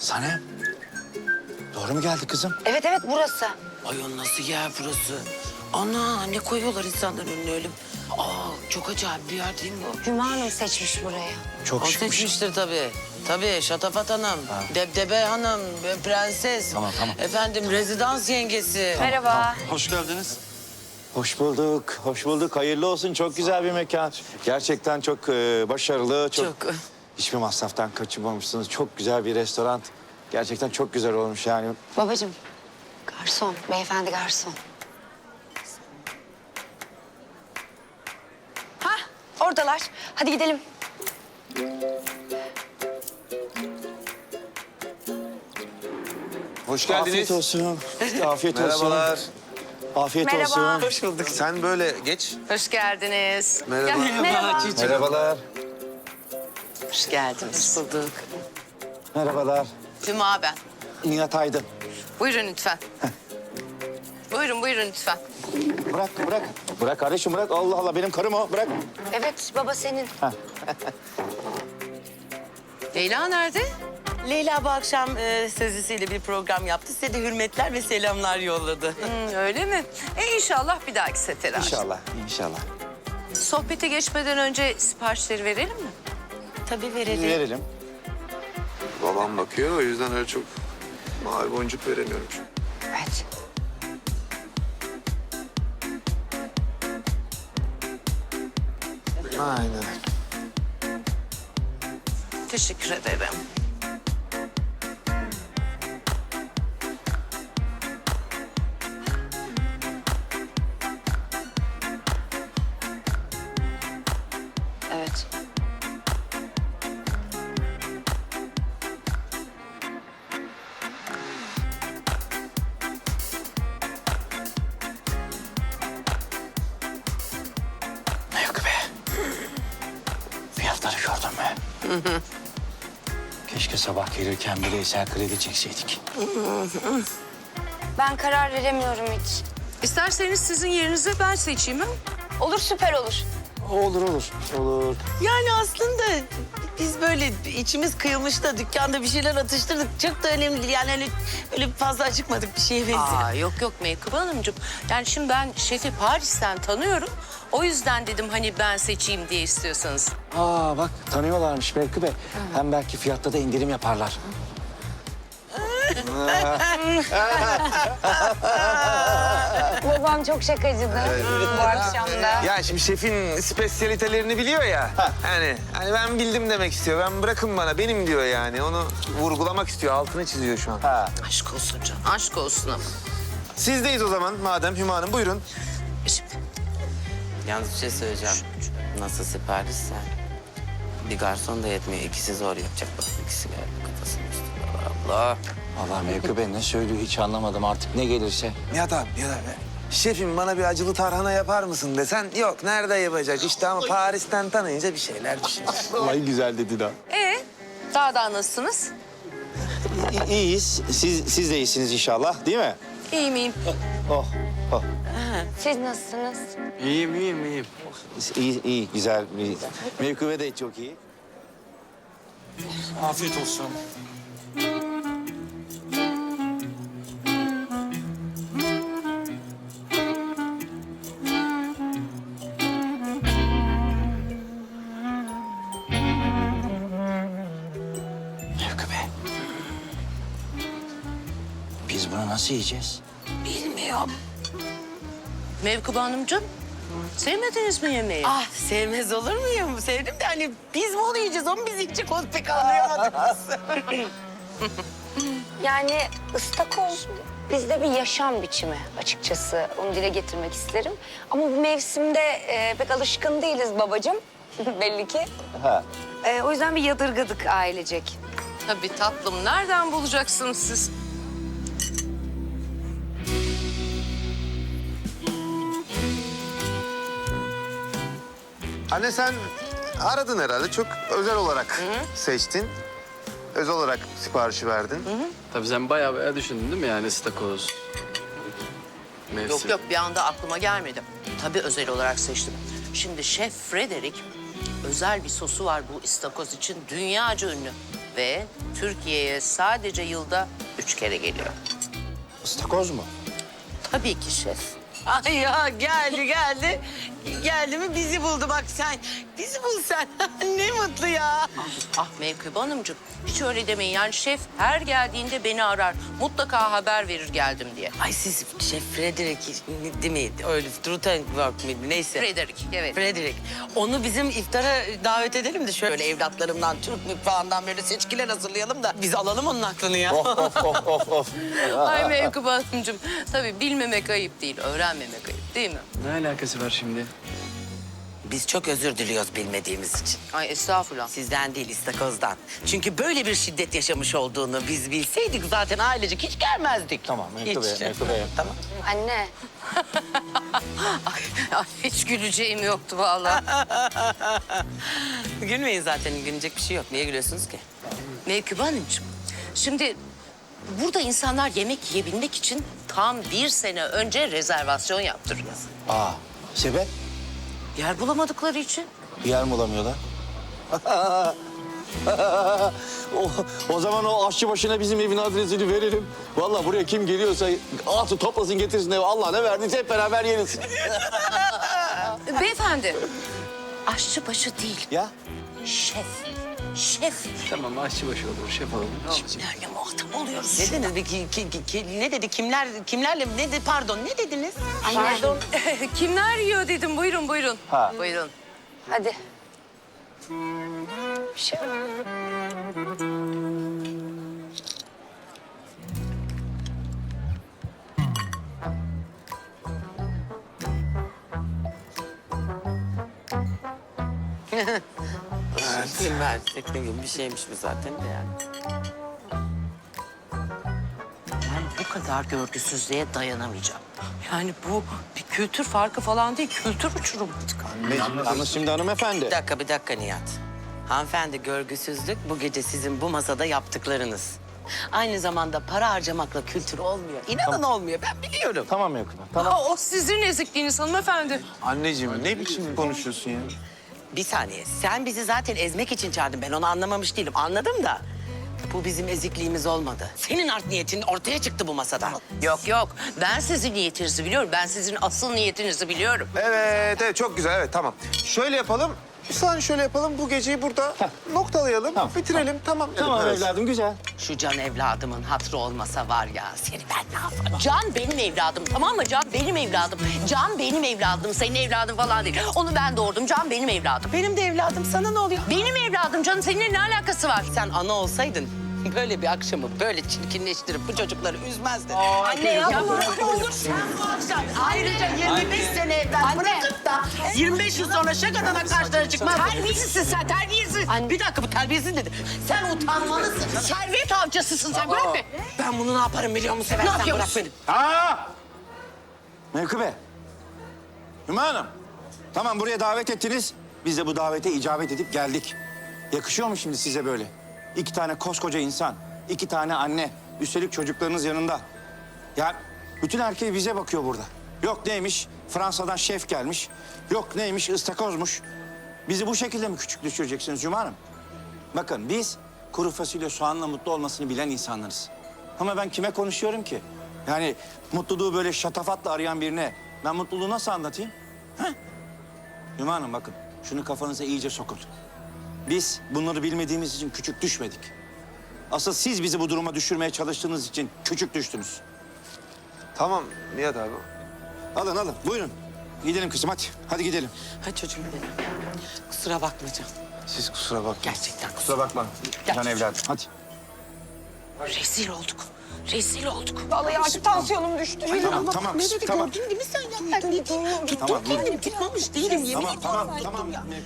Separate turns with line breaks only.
Sanem. Doğru mu geldi kızım?
Evet evet burası.
Ay o nasıl yer burası? Ana ne koyuyorlar insanların önüne öyle. Çok acayip bir yer değil mi o?
Hüma Hanım seçmiş burayı.
Çok
O
şıkmış.
seçmiştir tabii. Tabii Şatafat Hanım, Debdebe Hanım, Prenses.
Tamam.
Efendim rezidans yengesi.
Merhaba.
Hoş geldiniz.
Hoş bulduk. Hoş bulduk. Hayırlı olsun. Çok güzel bir mekan. Gerçekten çok başarılı.
Çok.
Hiçbir masraftan kaçınmamışsınız. Çok güzel bir restoran. Gerçekten çok güzel olmuş yani.
Babacığım, garson, beyefendi garson. Hah, oradalar. Hadi gidelim.
Hoş
Afiyet
geldiniz.
olsun. Afiyet olsun.
Merhabalar.
Afiyet
Merhaba.
olsun.
Hoş bulduk. Sen böyle geç.
Hoş geldiniz.
Merhaba.
Merhaba.
Merhabalar.
Hoş geldiniz.
Hoş bulduk.
Merhabalar.
Hüma ben.
Nihat Aydın.
Buyurun lütfen. Buyurun lütfen.
Bırak. Bırak kardeşim bırak. Allah Allah benim karım o. Bırak.
Evet, baba senin.
Leyla nerede?
Leyla bu akşam sözlüsüyle bir program yaptı. Size de hürmetler ve selamlar yolladı.
Öyle mi? İnşallah bir dahaki sefere.
İnşallah. İnşallah.
Sohbete geçmeden önce siparişleri verelim mi?
Tabii verelim.
Verelim.
Babam bakıyor, o yüzden öyle çok mavi boncuk veremiyorum.
Evet.
Aynen.
Teşekkür ederim.
Evet.
Yok be. Fiyatları gördün mü? Keşke sabah gelirken bile Eser kredi çekseydik.
Ben karar veremiyorum hiç.
İsterseniz sizin yerinize ben seçeyim mi?
Olur, süper olur.
Olur.
Yani aslında biz böyle içimiz kıyılmış da dükkanda bir şeyler atıştırdık. Çok da önemli değil. Yani hani öyle fazla acıkmadık bir şeye benziyor.
Yok Meykıbe Hanımcığım. Yani şimdi ben şefi Paris'ten tanıyorum. O yüzden dedim hani ben seçeyim diye istiyorsanız.
Aa bak tanıyorlarmış belki de. Hem belki fiyatta da indirim yaparlar.
Babam çok şakacıdır bu akşam da.
Ya şimdi şefin spesiyalitelerini biliyor ya. Hani ben bildim demek istiyor. Ben bırakın bana benim diyor yani. Onu vurgulamak istiyor. Altını çiziyor şu an.
Aşk olsun canım. Aşk olsun ama.
Sizdeyiz o zaman madem Hüma Hanım buyurun.
Şimdi
Yalnız bir şey söyleyeceğim. Nasıl siparişse bir garson da yetmiyor. İkisi zor yapacak. Bak ikisi geldi kafasının üstüne. Allah.
Allah Mevki Bey ne söylüyor hiç anlamadım artık ne gelirse.
Nihat abi. Şefim bana bir acılı tarhana yapar mısın desen yok nerede yapacak işte ama Paris'ten tanıyınca bir şeyler düşünür.
Ay güzel dedi daha.
daha nasılsınız?
İyiyiz. Siz de iyisiniz inşallah değil mi?
İyi miyim?
Oh.
Siz nasılsınız?
İyiyim.
İyi güzel. Mevki Bey de çok iyi.
Afiyet olsun.
Mevki Bey. Biz bunu nasıl yiyeceğiz?
Bilmiyorum. Mevkıbe Hanımcığım, sevmediniz mi yemeği?
Ah sevmez olur muyum? Sevdim de hani biz mi onu yiyeceğiz? O mu biz yiyecek? Onu pek anlayamadık biz.
Yani ıstakoz bizde bir yaşam biçimi açıkçası. Onu dile getirmek isterim. Ama bu mevsimde pek alışkın değiliz babacığım. Belli ki.
Ha.
O yüzden bir yadırgadık ailecek.
Tabii tatlım, nereden bulacaksınız siz?
Anne sen aradın herhalde çok özel olarak seçtin. Özel olarak siparişi verdin.
Tabii sen bayağı düşündün değil mi yani istakoz? Mevsim.
Yok bir anda aklıma gelmedi. Tabii özel olarak seçtim. Şimdi Şef Frederick özel bir sosu var bu istakoz için dünyaca ünlü. Ve Türkiye'ye sadece yılda 3 kere geliyor.
Istakoz mu?
Tabii ki şef.
Ay ya geldi. Geldi mi bizi buldu bak sen. Bizi bul sen. Ne mutlu ya.
Ah Menkıbe Hanımcığım, hiç öyle demeyin. Yani şef her geldiğinde beni arar. Mutlaka haber verir geldim diye.
Ay siz Şef Frederick değil mi? Öyle Truthenberg miydi? Neyse.
Frederick, evet.
Frederick. Onu bizim iftara davet edelim de şöyle evlatlarımdan, Türk mutfağından böyle seçkiler hazırlayalım da biz alalım onun aklını ya.
Of.
Ay Menkıbe Hanımcığım, tabii bilmemek ayıp değil, öğrenmemek ayıp değil mi?
Ne alakası var şimdi?
Biz çok özür diliyoruz bilmediğimiz için.
Ay estağfurullah.
Sizden değil, istakozdan. Çünkü böyle bir şiddet yaşamış olduğunu biz bilseydik zaten ailecek hiç gelmezdik.
Tamam, Menkıbe,
Hiç.
Menkıbe.
Tamam.
Anne,
Ay, hiç güleceğim yoktu vallahi.
Gülmeyin zaten, gülecek bir şey yok. Niye gülüyorsunuz ki?
Menkıbe Hanımcığım, şimdi burada insanlar yemek yiyebilmek için tam 1 sene önce rezervasyon yaptırıyor.
Aa, sebep?
Yer bulamadıkları için.
Yer mi bulamıyorlar? o zaman o aşçı başına bizim evin adresini verelim. Vallahi buraya kim geliyorsa atı toplasın getirsin eve. Allah ne verdiyse hep beraber yeriz.
Beyefendi, aşçı başı değil,
Ya?
şef. Şef.
Tamam aşçıbaşı olur, şef olur.
Kimlerle muhatap oluyoruz?
Ne dediniz? Ne dedi? Kimlerle? Ne dedi? Pardon, ne dediniz?
pardon.
Kimler yiyor dedim. Buyurun, buyurun.
Ha.
Buyurun.
Hadi. Bir şey yok.
Kim versek ne gibi bir şeymiş bu zaten de yani.
Ben bu kadar görgüsüzlüğe dayanamayacağım. Yani bu bir kültür farkı falan değil, kültür uçurumu.
Yalnız şimdi hanımefendi.
Bir dakika Nihat. Hanımefendi, görgüsüzlük bu gece sizin bu masada yaptıklarınız. Aynı zamanda para harcamakla kültür olmuyor. İnanın olmuyor, ben biliyorum.
Tamam Menkıbe, tamam.
Aa, o sizin ezikliğiniz hanımefendi.
Anneciğim ne biçim konuşuyorsun ya?
Bir saniye, sen bizi zaten ezmek için çağırdın. Ben onu anlamamış değilim, anladım da. Bu bizim ezikliğimiz olmadı. Senin art niyetin ortaya çıktı bu masada.
Yok yok, ben sizin niyetinizi biliyorum. Ben sizin asıl niyetinizi biliyorum.
Evet çok güzel evet tamam. Şöyle yapalım. Bir saniye şöyle yapalım. Bu geceyi burada noktalayalım.
Tamam,
Bitirelim tamam.
Tamam
Evet.
evladım güzel.
Şu Can evladımın hatırı olmasa var ya, seni ben ne yaparım?
Can benim evladım, tamam mı? Can benim evladım. Can benim evladım, senin evladın falan değil. Onu ben doğurdum, Can benim evladım.
Benim de evladım, sana ne oluyor?
Benim evladım Can'ın seninle ne alakası var?
Sen ana olsaydın böyle bir akşamı böyle çirkinleştirip bu çocukları üzmezdin.
Anne ya
Olur sen bu akşam ayrıca 25 sene evvel bırakıp da 25 yıl sonra şakadan karşılara çıkmaz.
Terbiyesizsin sen, terbiyesiz.
Bir dakika, bu terbiyesiz dedi. Sen utanmalısın.
Servet avcısısın sen, bırak be.
Ben bunu ne yaparım biliyor musun? Seversen bırak
yapıyorsun?
beni.
Aa! Menkıbe. Hüma Hanım. Tamam buraya davet ettiniz. Biz de bu davete icabet edip geldik. Yakışıyor mu şimdi size böyle? 2 tane koskoca insan, 2 tane anne. Üstelik çocuklarınız yanında. Ya bütün erkeği bize bakıyor burada. Yok neymiş Fransa'dan şef gelmiş. Yok neymiş ıstakozmuş. Bizi bu şekilde mi küçük düşüreceksiniz Hüma Hanım? Bakın biz kuru fasulye soğanla mutlu olmasını bilen insanlarız. Ama ben kime konuşuyorum ki? Yani mutluluğu böyle şatafatla arayan birine ben mutluluğu nasıl anlatayım? Heh? Hüma Hanım bakın şunu kafanıza iyice sokun. Biz bunları bilmediğimiz için küçük düşmedik. Asıl siz bizi bu duruma düşürmeye çalıştığınız için küçük düştünüz.
Tamam Nihat abi.
Alın buyurun. Gidelim kızım hadi. Hadi gidelim.
Hadi çocuğum benim. Kusura bakma Can.
Siz kusura bakmayın.
Gerçekten
Kusura bakma. Can evladım hadi.
Rezil olduk. Rezil olduk.
Vallahi artık tansiyonum düştü.
Tamam kızım tamam.
Gördün değil mi sen ya? Ben ne diyeyim?
Tamam,
Tuttum kendimi, tutmamış değilim. Yemin
Tamam
ediyorum.
tamam.